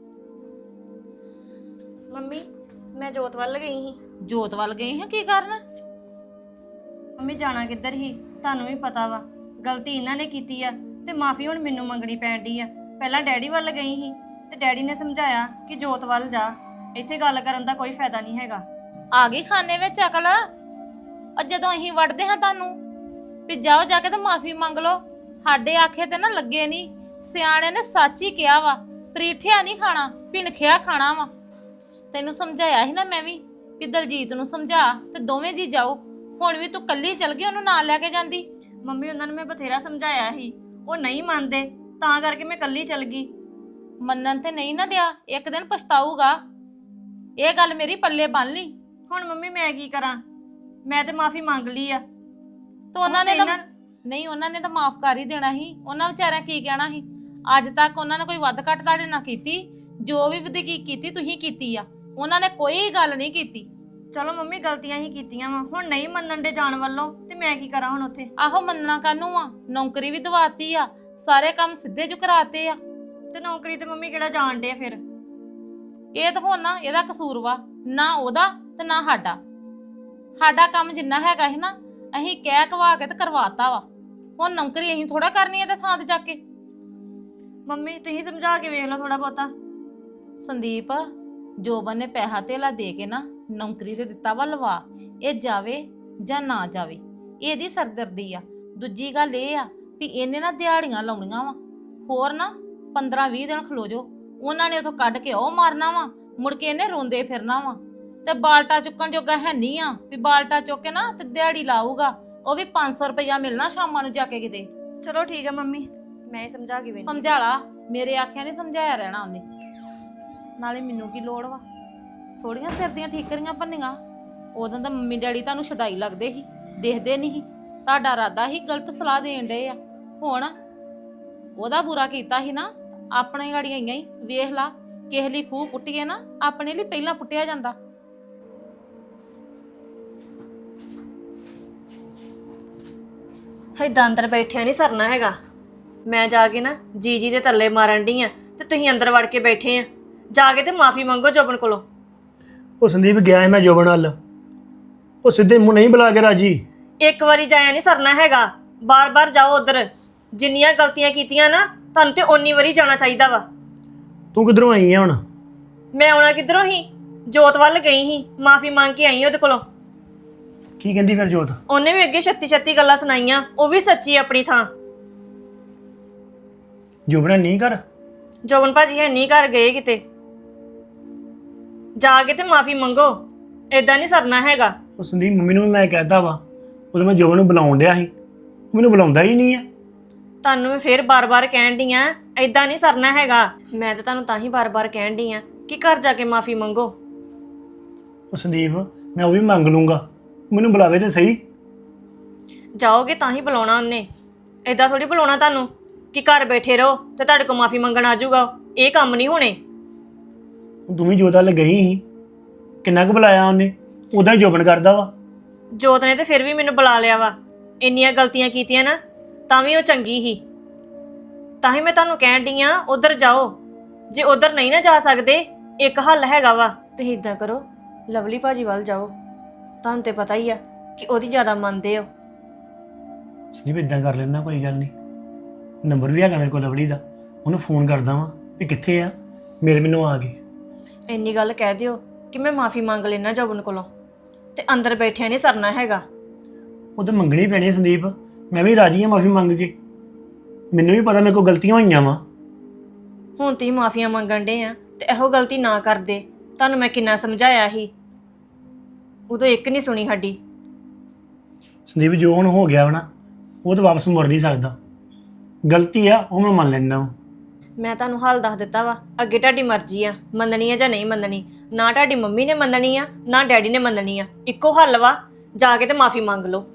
Speaker 1: ਮੰਮੀ, ਮੈਂ ਜੋਤ ਵੱਲ ਗਈ ਸੀ।
Speaker 4: ਜੋਤ ਵੱਲ ਗਈ ਹਾਂ, ਕੀ ਕਰਨ?
Speaker 1: ਮੰਮੀ ਜਾਣਾ ਕਿੱਧਰ ਸੀ, ਤੁਹਾਨੂੰ ਵੀ ਪਤਾ ਵਾ। ਗਲਤੀ ਇਹਨਾਂ ਨੇ ਕੀਤੀ ਆ ਤੇ ਮਾਫੀ ਹੁਣ ਮੈਨੂੰ ਮੰਗਣੀ ਪੈਣ ਡਈ ਆ। ਪਹਿਲਾਂ ਡੈਡੀ ਵੱਲ ਗਈ ਸੀ ਤੇ ਡੈਡੀ ਨੇ ਸਮਝਾਇਆ ਕਿ ਜੋਤ ਵੱਲ ਜਾ, ਇੱਥੇ ਗੱਲ ਕਰਨ ਦਾ ਕੋਈ ਫਾਇਦਾ ਨਹੀਂ ਹੈਗਾ।
Speaker 4: ਆ ਗਈ ਖਾਨੇ ਵਿੱਚ ਅਕਲ। ਅੱਜ ਜਦੋਂ ਅਸੀਂ ਵੜਦੇ ਹਾਂ ਤੁਹਾਨੂੰ ਵੀ ਜਾਓ ਜਾ ਕੇ ਤੇ ਮਾਫੀ ਮੰਗ ਲਓ, ਸਾਡੇ ਆਖੇ ਤੇ ਨਾ ਲੱਗੇ ਨਹੀਂ। ਸਿਆਣਿਆਂ ਨੇ ਸੱਚ ਹੀ ਕਿਹਾ ਵਾ, ਪਰੀਠਿਆ ਨਹੀਂ ਖਾਣਾ, ਭਿਣਖਿਆ ਖਾਣਾ ਵਾ। ਤੈਨੂੰ ਸਮਝਾਇਆ ਸੀ ਨਾ ਮੈਂ ਵੀ ਵੀ ਦਲਜੀਤ ਨੂੰ ਸਮਝਾ ਤੇ ਦੋਵੇਂ ਜੀ ਜਾਓ। ਹੁਣ ਵੀ ਤੂੰ ਕੱਲੀ ਚਲ ਗਈ, ਉਹਨੂੰ ਨਾਲ ਲੈ ਕੇ ਜਾਂਦੀ।
Speaker 1: ਮੰਮੀ, ਉਹਨਾਂ ਨੂੰ ਮੈਂ ਬਥੇਰਾ ਸਮਝਾਇਆ ਸੀ, ਉਹ ਨਹੀਂ ਮੰਨਦੇ, ਤਾਂ ਕਰਕੇ ਮੈਂ ਕੱਲੀ ਚਲ ਗਈ।
Speaker 4: ਮੰਨਣ ਤੇ ਨਹੀਂ ਨਾ ਡਿਆ, ਇੱਕ ਦਿਨ ਪਛਤਾਊਗਾ। ਇਹ ਗੱਲ ਮੇਰੀ ਪੱਲੇ ਬੰਨ ਲਈ।
Speaker 1: ਹੁਣ ਮੰਮੀ ਮੈਂ ਕੀ ਕਰਾਂ, ਮੈਂ ਤੇ ਮਾਫੀ ਮੰਗ ਲਈ ਆ।
Speaker 4: ਤੋ ਉਹਨਾਂ ਨੇ ਤਾਂ
Speaker 1: ਇਹਨਾਂ-
Speaker 4: ਨਹੀਂ, ਉਹਨਾਂ ਨੇ ਤਾਂ ਮਾਫ ਕਰ ਹੀ ਦੇਣਾ ਸੀ। ਉਹਨਾਂ ਵਿਚਾਰਿਆਂ ਕੀ ਕਹਿਣਾ ਸੀ? ਅੱਜ ਤੱਕ ਉਹਨਾਂ ਨੇ ਕੋਈ ਵੱਧ ਘੱਟ ਤੁਹਾਡੇ ਨਾਲ ਕੀਤੀ? ਜੋ ਵੀ ਵਧੇਕੀ ਕੀਤੀ ਤੁਸੀਂ ਕੀਤੀ ਆ, ਉਹਨਾਂ ਨੇ ਕੋਈ ਗੱਲ ਨਹੀਂ ਕੀਤੀ।
Speaker 1: ਚਲੋ ਮੰਮੀ, ਗਲਤੀਆਂ ਹੀ ਕੀਤੀਆਂ ਵਾ, ਹੁਣ ਨਹੀਂ ਮੰਨਣ ਦੇ ਜਾਣ ਵੱਲੋਂ, ਤੇ ਮੈਂ ਕੀ ਕਰਾਂ ਹੁਣ ਉੱਥੇ?
Speaker 4: ਆਹੋ, ਮੰਨਣਾ ਕਾਹਨੂੰ ਆ? ਨੌਕਰੀ ਵੀ ਦਵਾਤੀ ਆ, ਸਾਰੇ ਕੰਮ ਸਿੱਧੇ ਜੁ ਕਰਾਤੇ ਆ।
Speaker 1: ਤੇ ਨੌਕਰੀ ਤੇ ਮੰਮੀ ਕਿਹੜਾ ਜਾਣ ਡੇ ਫਿਰ?
Speaker 4: ਇਹ ਤਾਂ ਹੁਣ ਨਾ ਇਹਦਾ ਕਸੂਰ ਵਾ, ਨਾ ਉਹਦਾ ਤੇ ਨਾ ਸਾਡਾ। ਸਾਡਾ ਕੰਮ ਜਿੰਨਾ ਹੈਗਾ ਸੀ ਨਾ, ਅਸੀਂ ਕਹਿ ਕਵਾ ਕੇ ਤੇ ਕਰਵਾਤਾ ਵਾ। ਹੁਣ ਨੌਕਰੀ ਅਸੀਂ ਥੋੜਾ ਕਰਨੀ ਹੈ ਤੇ ਥਾਂ ਤੇ ਜਾ ਕੇ।
Speaker 1: ਮੰਮੀ, ਤੁਸੀਂ ਸਮਝਾ ਕੇ ਵੇਖ ਲਓ ਥੋੜਾ ਬਹੁਤਾ।
Speaker 4: ਸੰਦੀਪ, ਜੋਬਨ ਨੇ ਪੈਸਾ ਧੇਲਾ ਦੇ ਕੇ ਨਾ ਨੌਕਰੀ ਤੇ ਦਿੱਤਾ ਵਾ ਲਵਾ। ਇਹ ਜਾਵੇ ਜਾਂ ਨਾ ਜਾਵੇ, ਇਹਦੀ ਸਰਦਰਦੀ ਆ। ਦੂਜੀ ਗੱਲ ਇਹ ਆ ਵੀ ਇਹਨੇ ਨਾ ਦਿਹਾੜੀਆਂ ਲਾਉਣੀਆਂ ਵਾ, ਹੋਰ ਨਾ ਪੰਦਰਾਂ ਵੀਹ ਦਿਨ ਖਲੋ ਜੋ, ਉਹਨਾਂ ਨੇ ਉਥੋਂ ਕੱਢ ਕੇ ਉਹ ਮਾਰਨਾ ਵਾ, ਮੁੜ ਕੇ ਇਹਨੇ ਰੋਂਦੇ ਫਿਰਨਾ ਵਾ। ਤੇ ਬਾਲਟਾ ਚੁੱਕਣ ਜੋਗਾ ਹੈ ਨਹੀਂ ਆ ਵੀ ਬਾਲਟਾ ਚੁੱਕ ਕੇ ਨਾ ਤੇ ਦਿਹਾੜੀ ਲਾਊਗਾ। ਉਹ ਵੀ ਪੰਜ ਸੌ ਰੁਪਇਆ ਮਿਲਣਾ ਸ਼ਾਮਾਂ ਨੂੰ ਜਾ ਕੇ ਕਿਤੇ।
Speaker 1: ਚਲੋ ਠੀਕ ਹੈ ਮੰਮੀ, ਮੈਂ ਹੀ ਸਮਝਾ ਕੇ ਵੇਖੀ।
Speaker 4: ਸਮਝਾ ਲਾ, ਮੇਰੇ ਆਖਿਆ ਨਹੀਂ ਸਮਝਾਇਆ ਰਹਿਣਾ ਉਹਨੇ। ਨਾਲੇ ਮੈਨੂੰ ਕੀ ਲੋੜ ਵਾ, ਥੋੜੀਆਂ ਸਿਰ ਦੀਆਂ ਠੀਕਰੀਆਂ ਭੰਨੀਆਂ। ਉਦੋਂ ਤਾਂ ਮੰਮੀ ਡੈਡੀ ਤੁਹਾਨੂੰ ਸ਼ਦਾਈ ਲੱਗਦੇ ਸੀ, ਦੇਖਦੇ ਨਹੀਂ ਸੀ। ਤੁਹਾਡਾ ਇਰਾਦਾ ਸੀ ਗਲਤ ਸਲਾਹ ਦੇਣ ਡਏ ਆ। ਹੁਣ ਉਹਦਾ ਬੁਰਾ ਕੀਤਾ ਸੀ ਨਾ, ਆਪਣੇ ਗਾੜੀਆਂ ਆਈਆਂ ਹੀ। ਵੇਖ ਲਾ, ਕਿਸੇ ਲਈ ਖੂਹ ਪੁੱਟੀਏ ਨਾ, ਆਪਣੇ ਲਈ ਪਹਿਲਾਂ ਪੁੱਟਿਆ ਜਾਂਦਾ।
Speaker 1: ਏਦਾਂ ਅੰਦਰ ਬੈਠਿਆ ਨਹੀਂ ਸਰਨਾ ਹੈਗਾ। ਮੈਂ ਜਾ ਕੇ ਨਾ ਜੀ ਜੀ ਦੇ ਥੱਲੇ ਮਾਰਨ ਡਈ ਆ ਤੇ ਤੁਸੀਂ ਅੰਦਰ ਵੜ ਕੇ ਬੈਠੇ ਆ। ਜਾ ਕੇ ਤੇ ਮਾਫੀ ਮੰਗੋ ਜੋਬਨ ਕੋਲੋਂ।
Speaker 5: ਉਹ ਸੰਦੀਪ ਗਿਆ ਹੈ ਮੈਂ ਜੋਬਨ ਵੱਲ, ਉਹ ਸਿੱਧੇ ਮੂੰਹ ਨਹੀਂ ਬੁਲਾ ਕੇ ਰਾਜੀ।
Speaker 1: ਇੱਕ ਵਾਰੀ ਜਾਇਆ ਨਹੀਂ ਸਰਨਾ ਹੈਗਾ, ਬਾਰ-ਬਾਰ ਜਾਓ ਉਧਰ। ਜਿੰਨੀਆਂ ਗਲਤੀਆਂ ਕੀਤੀਆਂ ਨਾ, ਤੁਹਾਨੂੰ ਤੇ ਓਨੀ ਵਾਰੀ ਜਾਣਾ ਚਾਹੀਦਾ ਵਾ।
Speaker 5: ਤੂੰ ਕਿੱਧਰੋਂ ਆਈ ਆ ਹੁਣ?
Speaker 1: ਮੈਂ ਆਉਣਾ ਕਿੱਧਰੋਂ ਹੀ, ਜੋਤ ਵੱਲ ਗਈ ਸੀ, ਮਾਫੀ ਮੰਗ ਕੇ ਆਈ ਉਹਦੇ ਕੋਲੋਂ।
Speaker 5: ਕੀ ਕਹਿੰਦੀ ਫਿਰ ਜੋਤ?
Speaker 1: ਉਹਨੇ ਵੀ ਅੱਗੇ ਛੱਤੀ ਛੱਤੀ ਗੱਲਾਂ ਸੁਣਾਈਆਂ, ਉਹ ਵੀ ਸੱਚੀ ਆਪਣੀ ਥਾਂ।
Speaker 5: ਜੋਬਨ ਨਹੀਂ ਕਰ।
Speaker 1: ਜੋਬਨ ਭਾਜੀ ਹੈ ਨਹੀਂ ਘਰ ਗਏ ਕਿਤੇ। ਜਾ ਕੇ ਤੇ ਮਾਫੀ ਮੰਗੋ, ਏਦਾਂ ਨਹੀਂ ਸਰਨਾ ਹੈਗਾ।
Speaker 5: ਉਹ ਸੰਦੀਪ ਮੰਮੀ ਨੂੰ ਵੀ ਮੈਂ ਕਹਿਤਾ ਵਾ, ਉਦੋਂ ਮੈਂ ਜੋਬਨ ਨੂੰ ਬੁਲਾਉਣ ਡਿਆ ਸੀ, ਉਹ ਮੈਨੂੰ ਬੁਲਾਉਂਦਾ ਹੀ ਨਹੀਂ ਆ।
Speaker 1: ਤੁਹਾਨੂੰ ਮੈਂ ਫੇਰ ਬਾਰ-ਬਾਰ ਕਹਿਣ ਡਈ ਆ, ਏਦਾਂ ਨਹੀਂ ਸਰਨਾ ਹੈਗਾ। ਮੈਂ ਤਾਂ ਤੁਹਾਨੂੰ ਤਾਂ ਹੀ ਬਾਰ-ਬਾਰ ਕਹਿਣ ਡਈ ਆ ਕਿ ਘਰ ਜਾ ਕੇ ਮਾਫੀ ਮੰਗੋ।
Speaker 5: ਉਹ ਸੰਦੀਪ ਮੈਂ ਉਹ ਵੀ ਮੰਗ ਲੂੰਗਾ, ਮੈਨੂੰ ਬੁਲਾਵੇ ਤੇ ਸਹੀ।
Speaker 1: ਜਾਓਗੇ ਤਾਂ ਹੀ ਬੁਲਾਉਣਾ ਉਹਨੇ, ਏਦਾਂ ਥੋੜੀ ਬੁਲਾਉਣਾ ਤੁਹਾਨੂੰ ਕਿ ਘਰ ਬੈਠੇ ਰਹੋ ਤੇ ਤੁਹਾਡੇ ਕੋਲ ਮਾਫੀ ਮੰਗਣ ਆ ਜਾਊਗਾ। ਇਹ ਕੰਮ ਨਹੀਂ ਹੋਣੇ।
Speaker 5: ਤੂੰ ਵੀ ਜੋਤ ਵੱਲ ਗਈ ਸੀ, ਕਿੰਨਾ ਕੁ ਬੁਲਾਇਆ ਉਹਨੇ? ਉਦਾਂ ਹੀ ਜੋਬਨ ਕਰਦਾ ਵਾ।
Speaker 1: ਜੋਤ ਨੇ ਤੇ ਫਿਰ ਵੀ ਮੈਨੂੰ ਬੁਲਾ ਲਿਆ ਵਾ। ਇੰਨੀਆਂ ਗਲਤੀਆਂ ਕੀਤੀਆਂ ਨਾ, ਤਾਂ ਵੀ ਉਹ ਚੰਗੀ ਸੀ। ਤਾਂ ਹੀ ਮੈਂ ਤੁਹਾਨੂੰ ਕਹਿਣ ਡਈ ਆ ਉਧਰ ਜਾਓ। ਜੇ ਉਧਰ ਨਹੀਂ ਨਾ ਜਾ ਸਕਦੇ, ਇੱਕ ਹੱਲ ਹੈਗਾ ਵਾ। ਤੁਸੀਂ ਇਦਾਂ ਕਰੋ, ਲਵਲੀ ਭਾਜੀ ਵੱਲ ਜਾਓ। ਤੁਹਾਨੂੰ ਤੇ ਪਤਾ ਹੀ ਆ ਕਿ ਉਹਦੀ ਜ਼ਿਆਦਾ ਮੰਨਦੇ ਹੋ।
Speaker 5: ਸੰਦੀਪ ਇਦਾਂ ਕਰ ਲੈਣਾ, ਕੋਈ ਗੱਲ ਨਹੀਂ। ਨੰਬਰ ਵੀ ਹੈਗਾ ਮੇਰੇ ਕੋਲ ਲਵਲੀ ਦਾ, ਉਹਨੂੰ ਫੋਨ ਕਰਦਾ ਵਾਂ ਵੀ ਕਿੱਥੇ ਆ, ਮੇਰੇ ਮੈਨੂੰ ਆ ਗਈ।
Speaker 1: ਇੰਨੀ ਗੱਲ ਕਹਿ ਦਿਓ ਕਿ ਮੈਂ ਮਾਫੀ ਮੰਗ ਲੈਣਾ ਜੋਬਨ ਕੋਲੋਂ, ਤੇ ਅੰਦਰ ਬੈਠਿਆ ਨਹੀਂ ਸਰਨਾ ਹੈਗਾ।
Speaker 5: ਉਹ ਤਾਂ ਮੰਗਣੀ ਪੈਣੀ ਹੈ ਸੰਦੀਪ, ਮੈਂ ਵੀ ਰਾਜੀ ਹਾਂ ਮਾਫੀ ਮੰਗ ਕੇ। ਮੈਨੂੰ ਵੀ ਪਤਾ ਮੇਰੇ ਕੋਲ ਗਲਤੀਆਂ ਹੋਈਆਂ ਵਾ।
Speaker 1: ਹੁਣ ਤੁਸੀਂ ਮਾਫੀਆਂ ਮੰਗਣ ਡੇ ਆ ਤੇ ਇਹੋ ਗਲਤੀ ਨਾ ਕਰਦੇ। ਤੁਹਾਨੂੰ ਮੈਂ ਕਿੰਨਾ ਸਮਝਾਇਆ ਸੀ, ਉਦੋਂ ਇੱਕ ਨਹੀਂ ਸੁਣੀ ਸਾਡੀ।
Speaker 5: ਸੰਦੀਪ ਜੋ ਹੁਣ ਹੋ ਗਿਆ ਵਾ ਨਾ, ਉਹ ਤਾਂ ਵਾਪਸ ਮੁੜ ਨਹੀਂ ਸਕਦਾ। ਗਲਤੀ ਆ ਉਹ ਮੈਂ ਮੰਨ ਲੈਂਦਾ ਵਾਂ।
Speaker 1: ਮੈਂ ਤੁਹਾਨੂੰ ਹਾਲ ਦੱਸ ਦਿੱਤਾ ਵਾ, ਅੱਗੇ ਤੁਹਾਡੀ ਮਰਜ਼ੀ ਆ, ਮੰਨਣੀ ਆ ਜਾਂ ਨਹੀਂ ਮੰਨਣੀ। ਨਾ ਤੁਹਾਡੀ ਮੰਮੀ ਨੇ ਮੰਨਣੀ ਆ, ਨਾ ਡੈਡੀ ਨੇ ਮੰਨਣੀ ਆ। ਇੱਕੋ ਹੱਲ ਵਾ, ਜਾ ਕੇ ਤੇ ਮਾਫੀ ਮੰਗ ਲਓ।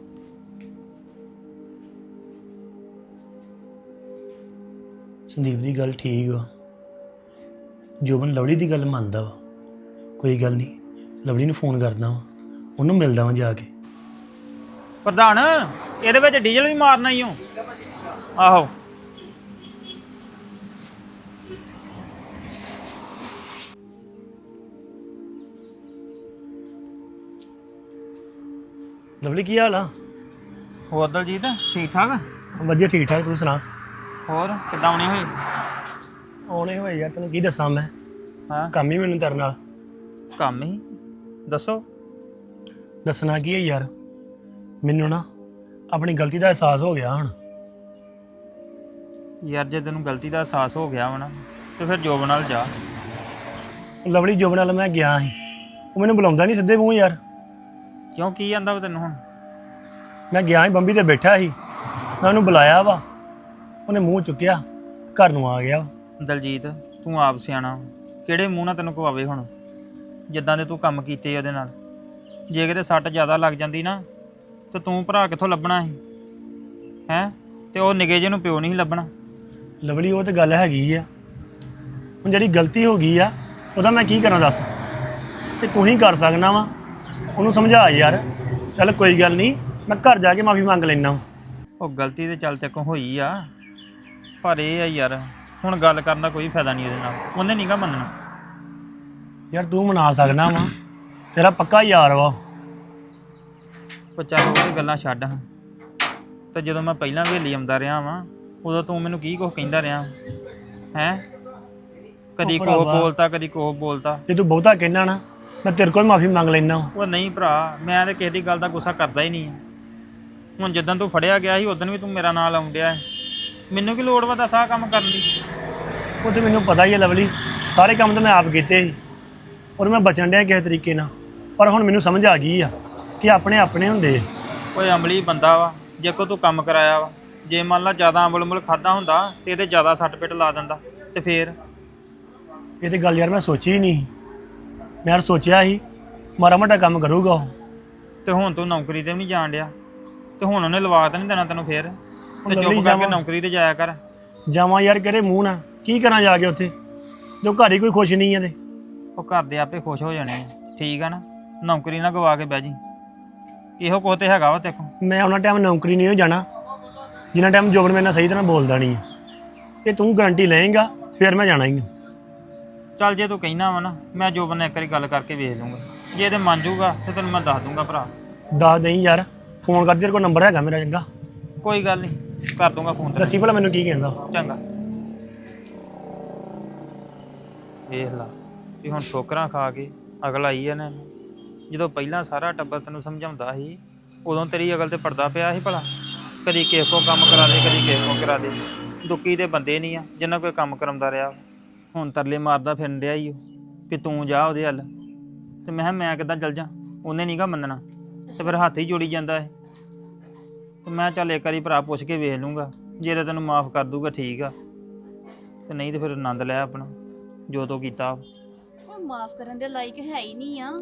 Speaker 5: ਸੰਦੀਪ ਦੀ ਗੱਲ ਠੀਕ ਵਾ, ਜੋਬਨ ਲਵਲੀ ਦੀ ਗੱਲ ਮੰਨਦਾ ਵਾ। ਕੋਈ ਗੱਲ ਨਹੀਂ, ਲਵਲੀ ਨੂੰ ਫੋਨ ਕਰਦਾ ਵਾ, ਉਹਨੂੰ ਮਿਲਦਾ ਵਾਂ ਜਾ ਕੇ।
Speaker 6: ਪ੍ਰਧਾਨ ਇਹਦੇ ਵਿੱਚ ਡੀਜ਼ਲ ਵੀ ਮਾਰਨਾ ਹੀ ਹੋ? ਆਹੋ
Speaker 5: ਲਵਲੀ ਕੀ ਹਾਲ ਆ?
Speaker 6: ਹੋਰ ਦਲਜੀਤ ਠੀਕ ਠਾਕ?
Speaker 5: ਵਧੀਆ ਠੀਕ ਠਾਕ, ਤੂੰ ਸੁਣਾ?
Speaker 6: ਹੋਰ ਕਿੱਦਾਂ ਆਉਣੇ ਹੋਏ?
Speaker 5: ਆਉਣੇ ਹੋਏ ਯਾਰ, ਤੈਨੂੰ ਕੀ ਦੱਸਾਂ ਮੈਂ,
Speaker 6: ਹਾਂ
Speaker 5: ਕੰਮ ਹੀ ਮੈਨੂੰ ਤੇਰੇ ਨਾਲ।
Speaker 6: ਕੰਮ ਹੀ ਦੱਸੋ।
Speaker 5: ਦੱਸਣਾ ਕੀ ਹੈ ਯਾਰ, ਮੈਨੂੰ ਨਾ ਆਪਣੀ ਗਲਤੀ ਦਾ ਅਹਿਸਾਸ ਹੋ ਗਿਆ ਹੁਣ।
Speaker 6: ਯਾਰ ਜੇ ਤੈਨੂੰ ਗਲਤੀ ਦਾ ਅਹਿਸਾਸ ਹੋ ਗਿਆ ਵਾ ਨਾ, ਤੇ ਫਿਰ ਜੋਬ ਨਾਲ ਜਾ।
Speaker 5: ਲਵਲੀ ਜੋਬਨ ਨਾਲ ਮੈਂ ਗਿਆ ਸੀ, ਉਹ ਮੈਨੂੰ ਬੁਲਾਉਂਦਾ ਨਹੀਂ ਸਿੱਧੇ ਮੂੰਹ ਯਾਰ।
Speaker 6: ਕਿਉਂ ਕੀ ਜਾਂਦਾ ਵਾ ਤੈਨੂੰ ਹੁਣ?
Speaker 5: ਮੈਂ ਗਿਆ ਸੀ ਬੰਬੀ ਤੇ ਬੈਠਾ ਸੀ, ਮੈਂ ਉਹਨੂੰ ਬੁਲਾਇਆ ਵਾ, ਉਹਨੇ ਮੂੰਹ ਚੁੱਕਿਆ, ਘਰ ਨੂੰ ਆ ਗਿਆ।
Speaker 6: ਦਲਜੀਤ ਤੂੰ ਆਪ ਸਿਆਣਾ, ਕਿਹੜੇ ਮੂੰਹ ਨਾਲ ਤੈਨੂੰ ਕਵਾਵੇ ਹੁਣ? ਜਿੱਦਾਂ ਦੇ ਤੂੰ ਕੰਮ ਕੀਤੇ ਉਹਦੇ ਨਾਲ, ਜੇ ਕਿਤੇ ਸੱਟ ਜ਼ਿਆਦਾ ਲੱਗ ਜਾਂਦੀ ਨਾ, ਤੇ ਤੂੰ ਭਰਾ ਕਿੱਥੋਂ ਲੱਭਣਾ ਸੀ ਹੈਂ? ਤੇ ਉਹ ਨਿੱਕੇ ਜਿਹੇ ਨੂੰ ਪਿਓ ਨਹੀਂ ਸੀ ਲੱਭਣਾ।
Speaker 5: ਲਵਲੀ ਉਹ ਤੇ ਗੱਲ ਹੈਗੀ ਆ, ਹੁਣ ਜਿਹੜੀ ਗਲਤੀ ਹੋ ਗਈ ਆ ਉਹਦਾ ਮੈਂ ਕੀ ਕਰਾਂ ਦੱਸ? ਤੇ ਤੂੰ ਹੀ ਕਰ ਸਕਣਾ ਵਾ, ਉਹਨੂੰ ਸਮਝਾ ਯਾਰ। ਚੱਲ ਕੋਈ ਗੱਲ ਨਹੀਂ, ਮੈਂ ਘਰ ਜਾ ਕੇ ਮਾਫੀ ਮੰਗ ਲੈਣਾ।
Speaker 6: ਉਹ ਗਲਤੀ ਤੇ ਚੱਲ ਤੇ ਕੋ ਹੋਈ ਆ, ਪਰ ਇਹ ਆ ਯਾਰ ਹੁਣ ਗੱਲ ਕਰਨ ਦਾ ਕੋਈ ਫਾਇਦਾ ਨਹੀਂ ਇਹਦੇ ਨਾਲ, ਉਹਨੇ ਨਹੀਂਗਾ ਮੰਨਣਾ।
Speaker 5: ਯਾਰ ਤੂੰ ਮਨਾ ਸਕਣਾ ਵਾ, ਤੇਰਾ ਪੱਕਾ ਯਾਰ ਵਾ।
Speaker 6: ਉਹ ਚੱਲ ਉਹ ਗੱਲਾਂ ਛੱਡ ਹਾਂ, ਤੇ ਜਦੋਂ ਮੈਂ ਪਹਿਲਾਂ ਹਵੇਲੀ ਆਉਂਦਾ ਰਿਹਾ ਵਾਂ, ਉਦੋਂ ਤੂੰ ਮੈਨੂੰ ਕੀ ਕੁਛ ਕਹਿੰਦਾ ਰਿਹਾ ਹੈਂ? ਕਦੀ ਕੋਹ ਬੋਲਤਾ, ਕਦੀ ਕੋਹ ਬੋਲਤਾ।
Speaker 5: ਜੇ ਤੂੰ ਬਹੁਤਾ ਕਹਿਣਾ ਨਾ, ਮੈਂ ਤੇਰੇ ਕੋਲ ਮਾਫੀ ਮੰਗ ਲੈਣਾ।
Speaker 6: ਉਹ ਨਹੀਂ ਭਰਾ, ਮੈਂ ਤਾਂ ਕਿਸੇ ਦੀ ਗੱਲ ਦਾ ਗੁੱਸਾ ਕਰਦਾ ਹੀ ਨਹੀਂ। ਹੁਣ ਜਿੱਦਾਂ ਤੂੰ ਫੜਿਆ ਗਿਆ ਸੀ, ਉਦੋਂ ਵੀ ਤੂੰ ਮੇਰਾ ਨਾਂ ਲਾਉਣ ਡਿਆ। ਮੈਨੂੰ ਕੀ ਲੋੜ ਵਾ ਦੱਸ ਆਹ ਕੰਮ ਕਰਨ ਦੀ?
Speaker 5: ਉਹ ਤੇ ਮੈਨੂੰ ਪਤਾ ਹੀ ਹੈ ਲਵਲੀ, ਸਾਰੇ ਕੰਮ ਤਾਂ ਮੈਂ ਆਪ ਕੀਤੇ ਸੀ, ਔਰ ਮੈਂ ਬਚਣ ਡਿਆ ਕਿਸੇ ਤਰੀਕੇ ਨਾਲ। ਪਰ ਹੁਣ ਮੈਨੂੰ ਸਮਝ ਆ ਗਈ ਆ ਕਿ ਆਪਣੇ ਆਪਣੇ ਹੁੰਦੇ।
Speaker 6: ਕੋਈ ਅਮਲੀ ਬੰਦਾ ਵਾ, ਜੇ ਕੋ ਤੂੰ ਕੰਮ ਕਰਾਇਆ ਵਾ, ਜੇ ਮੰਨ ਲਾ ਜ਼ਿਆਦਾ ਅੰਬਲ ਅੰਬਲ ਖਾਦਾ ਹੁੰਦਾ ਤੇ ਇਹਦੇ ਜ਼ਿਆਦਾ ਸੱਟ ਪਿੱਟ ਲਾ ਦਿੰਦਾ ਤੇ ਫੇਰ
Speaker 5: ਇਹ ਤੇ ਗੱਲ ਯਾਰ ਮੈਂ ਸੋਚੀ ਹੀ ਨਹੀਂ। ਮੈਂ ਯਾਰ ਸੋਚਿਆ ਸੀ ਮਾੜਾ ਮੋਟਾ ਕੰਮ ਕਰੂਗਾ ਉਹ।
Speaker 6: ਤੇ ਹੁਣ ਤੂੰ ਨੌਕਰੀ ਤੇ ਵੀ ਨਹੀਂ ਜਾਣ ਡਿਆ ਤੇ ਹੁਣ ਉਹਨੇ ਲਵਾ ਤਾਂ ਨਹੀਂ ਦੇਣਾ ਤੈਨੂੰ ਫੇਰ ਤੇ
Speaker 5: ਲਵਲੀ
Speaker 6: ਚੁੱਪ ਕਰਕੇ
Speaker 5: ਜਾਵਾਂ।
Speaker 6: ਨੌਕਰੀ ਤੇ ਜਾਇਆ ਕਰ।
Speaker 5: ਜਾਵਾਂ ਯਾਰ ਕਿਹੜੇ ਮੂੰਹ ਨਾਲ ਕੀ ਕਰਾਂ ਜਾ ਕੇ ਉੱਥੇ ਜੋ ਘਰ ਹੀ ਕੋਈ ਖੁਸ਼ ਨਹੀਂ ਆ ਤੇ।
Speaker 6: ਉਹ ਘਰ ਦੇ ਆਪੇ ਖੁਸ਼ ਹੋ ਜਾਣੇ ਆ, ਠੀਕ ਆ ਨਾ। ਨੌਕਰੀ ਨਾ ਗਵਾ ਕੇ ਬਹਿ ਜੀ, ਇਹੋ ਕੁਛ ਤੇ ਹੈਗਾ ਵਾ ਤੇਕੋ।
Speaker 5: ਮੈਂ ਉਹਨਾਂ ਟਾਈਮ ਨੌਕਰੀ ਨਹੀਂ ਹੋ ਜਾਣਾ ਜਿੰਨਾ ਟਾਈਮ ਜੋਬਨ ਮੇਰੇ ਨਾਲ ਸਹੀ ਤਰ੍ਹਾਂ ਬੋਲਦਾ ਨਹੀਂ ਹੈ। ਇਹ ਤੂੰ ਗਾਰੰਟੀ ਲਏਂਗਾ ਫਿਰ ਮੈਂ ਜਾਣਾ ਹੀ ਹਾਂ।
Speaker 6: ਚੱਲ ਜੇ ਤੂੰ ਕਹਿਣਾ ਵਾ ਨਾ ਮੈਂ ਜੋਬਨ ਨਾਲ ਇੱਕ ਵਾਰੀ ਗੱਲ ਕਰਕੇ ਵੇਖ ਲੂੰਗਾ, ਜੇ ਇਹਦੇ ਮੰਨ ਜਾਊਗਾ ਤੇ ਤੈਨੂੰ ਮੈਂ ਦੱਸ ਦੂੰਗਾ ਭਰਾ।
Speaker 5: ਦੱਸ ਦੇਈਂ ਯਾਰ, ਫੋਨ ਕਰ ਤੇਰੇ ਕੋਲ ਨੰਬਰ ਹੈਗਾ ਮੇਰਾ ਚੰਗਾ।
Speaker 6: ਕੋਈ ਗੱਲ ਨਹੀਂ, ਕਰ ਦੂੰਗਾ ਫੋਨ ਤੇ।
Speaker 5: ਦੱਸੀ ਭਲਾ ਮੈਨੂੰ ਕੀ ਕਹਿੰਦਾ।
Speaker 6: ਚੰਗਾ। ਵੇਖ ਲਾ ਵੀ ਹੁਣ ਠੋਕਰਾਂ ਖਾ ਕੇ ਅਗਲ ਆਈ ਆ ਨੇ। ਜਦੋਂ ਪਹਿਲਾਂ ਸਾਰਾ ਟੱਬਰ ਤੈਨੂੰ ਸਮਝਾਉਂਦਾ ਸੀ ਉਦੋਂ ਤੇਰੀ ਅਗਲ ਤੇ ਪੜਦਾ ਪਿਆ ਸੀ ਭਲਾ। ਕਦੀ ਕਿਸੇ ਕੋ ਕੰਮ ਕਰਾ ਦੇ, ਕਦੀ ਕਿਸੇ ਕੋ ਕਰਾ ਦੇ। ਦੁੱਕੀ ਦੇ ਬੰਦੇ ਨਹੀਂ ਆ ਜਿੰਨਾ ਕੋਈ ਕੰਮ ਕਰਾਉਂਦਾ ਰਿਹਾ। ਹੁਣ ਤਰਲੇ ਮਾਰਦਾ ਫਿਰਨ ਡਿਆ ਈ ਉਹ ਕਿ ਤੂੰ ਜਾ ਉਹਦੇ ਹੱਲ। ਤੇ ਮੈਂ ਕਿਹਾ ਮੈਂ ਕਿੱਦਾਂ ਚੱਲ ਜਾ, ਉਹਨੇ ਨੀਗਾ ਮੰਨਣਾ ਤੇ ਫਿਰ ਹੱਥ ਹੀ ਜੋੜੀ ਜਾਂਦਾ ਇਹ। ਤੇ ਮੈਂ ਚੱਲ ਇੱਕ ਵਾਰੀ ਭਰਾ ਪੁੱਛ ਕੇ ਵੇਖ ਲੂੰਗਾ, ਜੇ ਤਾਂ ਤੈਨੂੰ ਮਾਫ ਕਰ ਦੂਗਾ ਠੀਕ ਆ, ਤੇ ਨਹੀਂ ਤੇ ਫਿਰ ਆਨੰਦ ਲੈ ਆਪਣਾ ਜੋ ਤੂੰ ਕੀਤਾ।
Speaker 7: ਉਹ ਮਾਫ ਕਰਨ ਦੇ ਲਾਇਕ ਹੈ ਹੀ ਨਹੀਂ ਆ।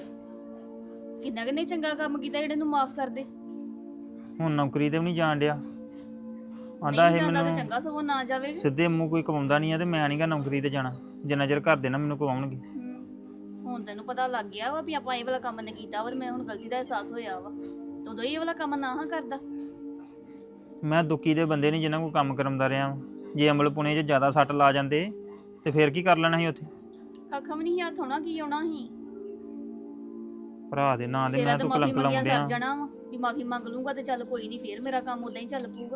Speaker 7: ਕਿੰਨਾ ਕਿੰਨੇ ਚੰਗਾ ਕੰਮ ਕੀਤਾ ਜਿਹੜੇ ਨੂੰ ਮਾਫ ਕਰ ਦੇ।
Speaker 6: ਹੁਣ ਨੌਕਰੀ ਤੇ ਵੀ ਨਹੀਂ ਜਾਣ ਡਿਆ। ਆਂਦਾ ਇਹ
Speaker 7: ਨਹੀਂ ਜਾਂਦਾ ਤਾਂ
Speaker 6: ਮੈਨੂੰ
Speaker 7: ਚੰਗਾ ਸਗੋਂ ਨਾ ਜਾਵੇ।
Speaker 6: ਸਿੱਧੇ ਮੂੰਹ ਕੋਈ ਕਮਾਉਂਦਾ ਨਹੀਂ ਆ ਤੇ ਮੈਂ ਨਹੀਂਗਾ ਨੌਕਰੀ ਤੇ ਜਾਣਾ ਜਿੰਨਾ ਚਿਰ ਘਰ ਦੇ ਨਾ ਮੈਨੂੰ ਕਮਾਉਣਗੇ।
Speaker 7: ਹੁਣ ਤੈਨੂੰ ਪਤਾ ਲੱਗ ਗਿਆ ਵਾ ਵੀ ਆਪਾਂ ਇਹ ਵਾਲਾ ਕੰਮ ਨੇ ਕੀਤਾ ਵਾ ਤੇ ਮੈਂ ਹੁਣ ਗਲਤੀ ਦਾ ਅਹਿਸਾਸ ਹੋਇਆ ਵਾ। ਉਦੋਂ ਇਹ ਵਾਲਾ ਕੰਮ ਨਾ ਹਾਂ ਕਰਦਾ।
Speaker 6: ਮੈਂ ਦੁੱਕੀ ਦੇ ਬੰਦੇ ਨਹੀਂ ਜਿਨ੍ਹਾਂ ਕੋਲ ਕੰਮ ਕਰਾਉਂਦਾ ਰਿਹਾ ਵਾਂ। ਜੇ ਅਮਲ ਪੁਣੇ 'ਚ ਜ਼ਿਆਦਾ ਸੱਟ ਲਾ ਜਾਂਦੇ ਤੇ ਫਿਰ ਕੀ ਕਰ ਲੈਣਾ ਸੀ ਉੱਥੇ।
Speaker 7: ਕੱਖ ਵੀ ਨਹੀਂ ਹੱਥ ਹੋਣਾ, ਕੀ ਆਉਣਾ ਸੀ।
Speaker 6: ਭਰਾ ਦੇ ਨਾਂ ਦੇ
Speaker 7: ਤੇਰਾ
Speaker 6: ਮੈਂ
Speaker 7: ਤਾਂ
Speaker 6: ਤੂੰ
Speaker 7: ਮਾਫੀ
Speaker 6: ਕਲੰਕ
Speaker 7: ਮੰਗਿਆ
Speaker 6: ਲਾਉਂਦਿਆ।
Speaker 7: ਸਰ ਜਾਣਾ ਵਾ ਵੀ ਮਾਫੀ ਮੰਗ ਲੂੰਗਾ ਤੇ ਚੱਲ ਕੋਈ ਨਹੀਂ, ਫੇਰ ਮੇਰਾ ਕੰਮ ਉਦਾਂ ਹੀ ਚੱਲ ਪਊਗਾ।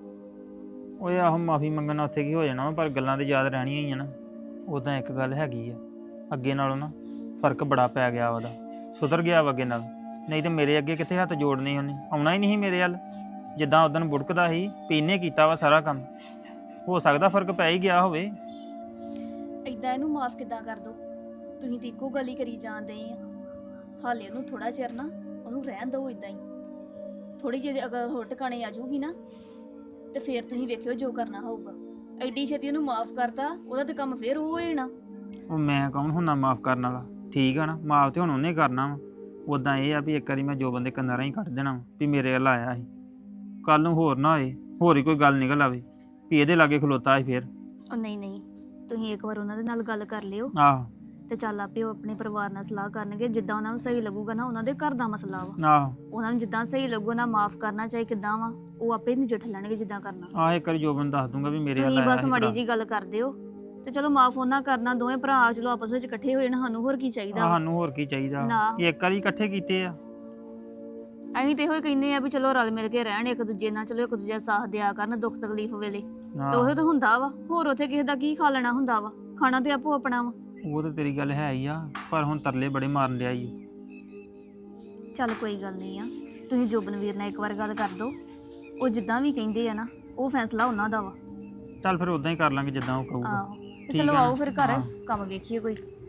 Speaker 6: ਓਏ ਆਹੋ ਮਾਫੀ ਮੰਗਣਾ ਉੱਥੇ ਕੀ ਹੋ ਜਾਣਾ ਵਾ, ਪਰ ਗੱਲਾਂ ਤੇ ਯਾਦ ਰਹਿਣੀਆਂ ਹੀ ਆ ਨਾ। ਉਦਾਂ ਇੱਕ ਗੱਲ ਹੈਗੀ ਆ, ਅੱਗੇ ਨਾਲੋਂ ਨਾ ਫਰਕ ਬੜਾ ਪੈ ਗਿਆ ਉਹਦਾ, ਸੁਧਰ ਗਿਆ ਵਾ ਅੱਗੇ ਨਾਲ। ਨਹੀਂ ਤੇ ਮੇਰੇ ਅੱਗੇ ਕਿੱਥੇ ਹੱਥ ਜੋੜਨੇ ਉਹਨੇ, ਆਉਣਾ ਹੀ ਨਹੀਂ ਮੇਰੇ ਵੱਲ। ਜਿੱਦਾਂ ਉਦੋਂ ਬੁੜਕਦਾ ਸੀ ਵੀ ਇਹਨੇ ਕੀਤਾ ਵਾ ਸਾਰਾ ਕੰਮ। ਹੋ ਸਕਦਾ ਫਰਕ ਪੈ ਹੀ ਗਿਆ ਹੋਵੇ।
Speaker 7: ਏਦਾਂ ਇਹਨੂੰ ਮਾਫ ਕਿੱਦਾਂ ਕਰ ਦੋ? ਤੁਸੀਂ ਤੇ ਇੱਕੋ ਗੱਲ ਹੀ ਕਰੀ ਜਾਂਦੇ ਆ। ਹਾਲੇ ਉਹਨੂੰ ਥੋੜਾ ਚਿਰ ਨਾ ਉਹਨੂੰ ਰਹਿਣ ਦਿਓ ਇਦਾਂ ਹੀ। ਥੋੜੀ ਜਿਹੀ ਅਗਰ ਹੋਰ ਟਿਕਾਣੇ ਆ ਜਾਊਗੀ ਨਾ ਤੇ ਫੇਰ ਤੁਸੀਂ ਵੇਖਿਓ ਜੋ ਕਰਨਾ ਹੋਊਗਾ। ਐਡੀ ਛੇਤੀ ਉਹਨੂੰ ਮਾਫ ਕਰਤਾ, ਉਹਦਾ ਤੇ ਕੰਮ ਫੇਰ ਉਹ ਹੋ ਜਾਣਾ।
Speaker 6: ਉਹ ਮੈਂ ਕੌਣ ਹੁੰਨਾ ਮਾਫ ਕਰਨ ਵਾਲਾ, ਠੀਕ ਆ ਨਾ। ਮਾਫ ਤੇ ਹੁਣ ਉਹਨੇ ਕਰਨਾ ਵਾ। ਉਦਾਂ ਇਹ ਆ ਵੀ ਇੱਕ ਵਾਰੀ ਮੈਂ ਜੋ ਬੰਦੇ ਕੰਨਾਂ ਰਾਹੀਂ ਕੱਢ ਦੇਣਾ ਵਾ ਵੀ ਮੇਰੇ ਵੱਲ ਆਇਆ ਸੀ। ਕੱਲ ਨੂੰ ਹੋਰ ਨਾ ਹੋਏ, ਹੋਰ ਹੀ ਕੋਈ ਗੱਲ ਨਿਕਲ ਆਵੇ ਵੀ ਇਹਦੇ ਲਾਗੇ ਖਲੋਤਾ ਸੀ ਫੇਰ।
Speaker 7: ਉਹ ਨਹੀਂ ਨਹੀਂ, ਤੁਸੀਂ ਇੱਕ ਵਾਰ ਉਹਨਾਂ ਦੇ ਨਾਲ ਗੱਲ ਕਰ ਲਿਓ
Speaker 6: ਆਹੋ
Speaker 7: ਤੇ ਚੱਲ ਆਪੇ ਉਹ ਆਪਣੇ ਪਰਿਵਾਰ ਨਾਲ ਸਲਾਹ ਕਰਨਗੇ। ਜਿੱਦਾਂ ਉਹਨਾਂ ਨੂੰ ਸਹੀ ਲੱਗੂਗਾ ਨਾ, ਉਹਨਾਂ ਦੇ ਘਰ ਦਾ ਮਸਲਾ ਵਾ,
Speaker 6: ਆਹੋ
Speaker 7: ਉਹਨਾਂ ਨੂੰ ਜਿੱਦਾਂ ਸਹੀ ਲੱਗੂ ਨਾ ਮਾਫ ਕਰਨਾ ਚਾਹੇ ਕਿੱਦਾਂ ਵਾ, ਉਹ ਆਪੇ ਨਜਿੱਠ ਲੈਣਗੇ ਜਿੱਦਾਂ ਕਰਨਾ।
Speaker 6: ਆਹ ਇੱਕ ਵਾਰੀ ਜੋ ਬੰਦਾ ਦੱਸ ਦੂੰਗਾ ਵੀ ਮੇਰੇ ਵੱਲ
Speaker 7: ਤੁਸੀਂ
Speaker 6: ਆਇਆ
Speaker 7: ਬਸ
Speaker 6: ਸੀ
Speaker 7: ਮਾੜੀ
Speaker 6: ਭਰਾ।
Speaker 7: ਜੀ ਗੱਲ ਕਰ ਦਿਓ ਤੇ ਚਲੋ ਮਾਫ ਉਹਨਾਂ ਕਰਨਾ। ਦੋਵੇਂ ਭਰਾ ਚਲੋ ਆਪਸ ਵਿੱਚ ਇਕੱਠੇ ਹੋਏ ਨਾ, ਸਾਨੂੰ ਹੋਰ ਕੀ ਚਾਹੀਦਾ
Speaker 6: ਆਹ
Speaker 7: ਵਾ।
Speaker 6: ਸਾਨੂੰ ਹੋਰ ਕੀ ਚਾਹੀਦਾ,
Speaker 7: ਨਾ।
Speaker 6: ਇੱਕ ਵਾਰੀ ਇਕੱਠੇ ਕੀਤੇ ਆ।
Speaker 7: ਅਸੀਂ ਤੇ ਇਹੋ ਹੀ ਕਹਿੰਦੇ ਆ ਵੀ ਚਲੋ ਰਲ ਮਿਲ ਕੇ ਰਹਿਣ ਇੱਕ ਦੂਜੇ ਨਾਲ, ਚਲੋ ਇੱਕ ਦੂਜੇ ਦਾ ਸਾਥ ਦਿਆ ਕਰਨ ਦੁੱਖ ਤਕਲੀਫ ਵੇਲੇ। ਤੇ ਉਹ ਤਾਂ ਹੁੰਦਾ ਵਾ, ਹੋਰ ਉੱਥੇ ਕਿਸੇ ਦਾ ਕੀ ਖਾ ਲੈਣਾ ਹੁੰਦਾ ਵਾ, ਖਾਣਾ ਤੇ ਆਪੋ ਆਪਣਾ ਵਾ।
Speaker 6: ਉਹ ਤਾਂ ਤੇਰੀ ਗੱਲ ਹੈ ਹੀ ਆ, ਪਰ ਹੁਣ ਤਰਲੇ ਬੜੇ ਮਾਰਨ ਲਿਆ ਈ।
Speaker 7: ਚੱਲ ਕੋਈ ਗੱਲ ਨਹੀਂ ਆ, ਤੁਸੀਂ ਜੋਬਨਵੀਰ ਨਾਲ ਇੱਕ ਵਾਰ ਗੱਲ ਕਰ ਦਿਓ। ਉਹ ਜਿੱਦਾਂ ਵੀ ਕਹਿੰਦੇ ਆ ਨਾ, ਉਹ ਫੈਸਲਾ ਉਹਨਾਂ ਦਾ ਵਾ।
Speaker 6: ਚੱਲ ਫਿਰ ਉਦਾਂ ਹੀ ਕਰ ਲਾਂਗੇ ਜਿੱਦਾਂ ਉਹ ਕਹੂਗਾ।
Speaker 7: ਆਹੋ ਤੇ
Speaker 6: ਠੀਕ
Speaker 7: ਚਲੋ
Speaker 6: ਆ ਨਾ?
Speaker 7: ਆਓ ਫਿਰ ਘਰ
Speaker 6: ਹਾਂ।
Speaker 7: ਕੰਮ ਵੇਖੀਏ ਕੋਈ।